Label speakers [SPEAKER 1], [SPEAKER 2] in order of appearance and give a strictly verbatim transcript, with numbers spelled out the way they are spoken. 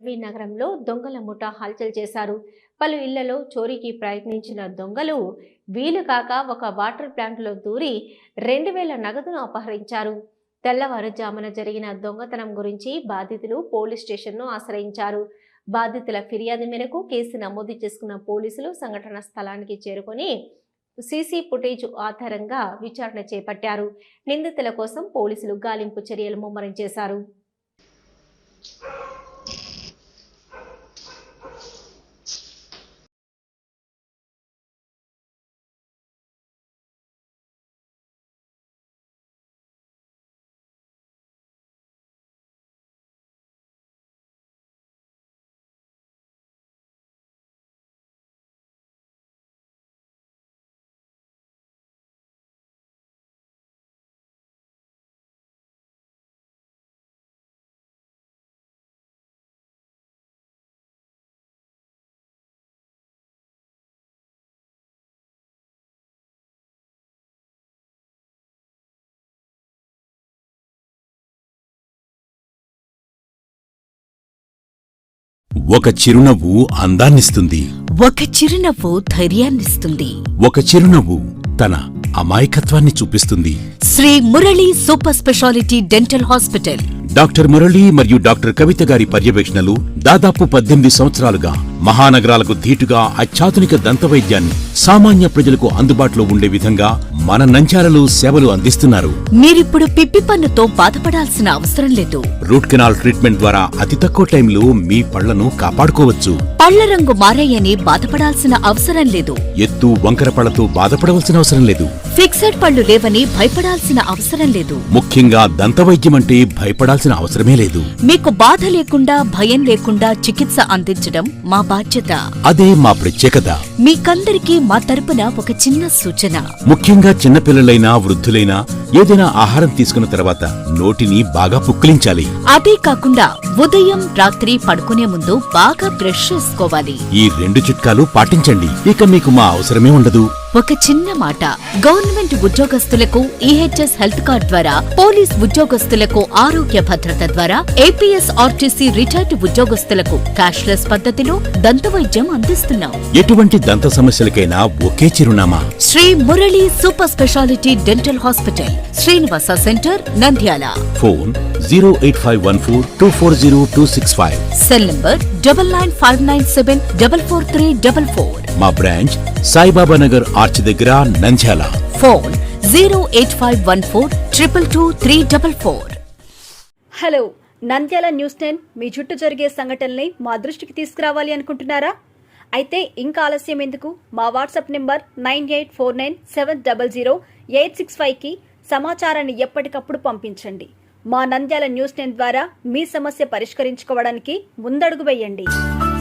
[SPEAKER 1] LB నగరంలో దొంగల ముఠా హల్చల్ చేశారు. పలు ఇళ్లలో చోరీకి ప్రయత్నించిన దొంగలు వీలుకాక ఒక వాటర్ ప్లాంట్లో దూరి రెండు వేల నగదును అపహరించారు. తెల్లవారుజామున జరిగిన దొంగతనం గురించి బాధితులు పోలీస్ స్టేషన్ను ఆశ్రయించారు. బాధితుల ఫిర్యాదు మేరకు కేసు నమోదు చేసుకున్న పోలీసులు సంఘటన స్థలానికి చేరుకొని సీసీ ఫుటేజ్ ఆధారంగా విచారణ చేపట్టారు. నిందితుల కోసం పోలీసులు గాలింపు చర్యలు ముమ్మరం చేశారు.
[SPEAKER 2] ఒక చిరునవ్వు అందాన్నిస్తుంది.
[SPEAKER 3] ఒక చిరునవ్వు ధైర్యాన్నిస్తుంది.
[SPEAKER 2] ఒక చిరునవ్వు తన అమాయకత్వాన్ని చూపిస్తుంది.
[SPEAKER 3] Shri Murali super speciality dental hospital.
[SPEAKER 2] Doctor Murali మరియు డాక్టర్ కవిత గారి పర్యవేక్షణలు దాదాపు పద్దెనిమిది సంవత్సరాలుగా మహానగరాలకు ధీటుగా అత్యాధునిక దంతవైద్యాన్ని సామాన్య ప్రజలకు అందుబాటులో ఉండే విధంగా మన నంద్యాలలో సేవలు అందిస్తున్నారు.
[SPEAKER 3] మీరిప్పుడు పిప్పి పన్నుతో బాధపడాల్సిన అవసరం లేదు.
[SPEAKER 2] రూట్ కెనాల్ ట్రీట్మెంట్ ద్వారా అతి తక్కువ టైంలో మీ పళ్లను కాపాడుకోవచ్చు.
[SPEAKER 3] పళ్ల రంగు మారాయని బాధపడాల్సిన అవసరం లేదు.
[SPEAKER 2] ఎత్తు వంకర పళ్లతో బాధపడవలసిన అవసరం లేదు.
[SPEAKER 3] ఫిక్సెడ్ పళ్లు లేవని భయపడాల్సిన అవసరం లేదు.
[SPEAKER 2] ముఖ్యంగా దంతవైద్యం అంటే భయపడాల్సిన అవసరమే లేదు.
[SPEAKER 3] మీకు బాధ లేకుండా భయం లేకుండా చికిత్స అందించడం మా బాధ్యత.
[SPEAKER 2] అదే మా ప్రత్యేకత.
[SPEAKER 3] మీకందరికీ మా తరపున ఒక చిన్న సూచన.
[SPEAKER 2] ముఖ్యంగా చిన్నపిల్లలైనా వృద్ధులైనా ఏదైనా ఆహారం తీసుకున్న తర్వాత నోటిని బాగా పుక్కిలించాలి.
[SPEAKER 3] అదే కాకుండా ఉదయం రాత్రి పడుకునే ముందు బాగా బ్రష్ చేసుకోవాలి.
[SPEAKER 2] ఈ రెండు చిట్కాలు పాటించండి, ఇక మీకు మా అవసరమే ఉండదు.
[SPEAKER 3] ఒక చిన్న మాట, గవర్నమెంట్ ఉద్యోగస్తులకు ఈహెచ్ఎస్ హెల్త్ కార్డ్ ద్వారా, పోలీస్ ఉద్యోగస్తులకు ఆరోగ్య భద్రత ద్వారా, ఏపీఎస్ ఆర్టీసీ రిటైర్డ్ ఉద్యోగస్తులకు క్యాష్లెస్ పద్ధతిలో దంతవైద్యం అందిస్తున్నాం.
[SPEAKER 2] ఎటువంటి దంత సమస్యలకైనా ఒకే చిరునామా,
[SPEAKER 3] Shri Murali super speciality dental hospital, Srinivasa centre, Nandyal.
[SPEAKER 2] Phone zero eight five one four two four zero two six five.
[SPEAKER 3] Cell number double nine five nine seven double four three double four.
[SPEAKER 2] మా బ్రాంచ్ సాయిబాబా నగర్ ఆర్చ్ దగ్గర, Nandyal.
[SPEAKER 3] Phone zero eight five one four triple two three double four.
[SPEAKER 4] Hello, Nandyal news ten మీ చుట్టూ జరిగే సంఘటనల్ని మా దృష్టికి తీసుకురావాలి అనుకుంటున్నారా? అయితే ఇంకా ఆలస్యం ఎందుకు? మా WhatsApp number nine eight four nine seven double zero eight six ఫైవ్కి సమాచారాన్ని ఎప్పటికప్పుడు పంపించండి. మా నంద్యాల న్యూస్ టెన్ ద్వారా మీ సమస్య పరిష్కరించుకోవడానికి ముందడుగు వేయండి.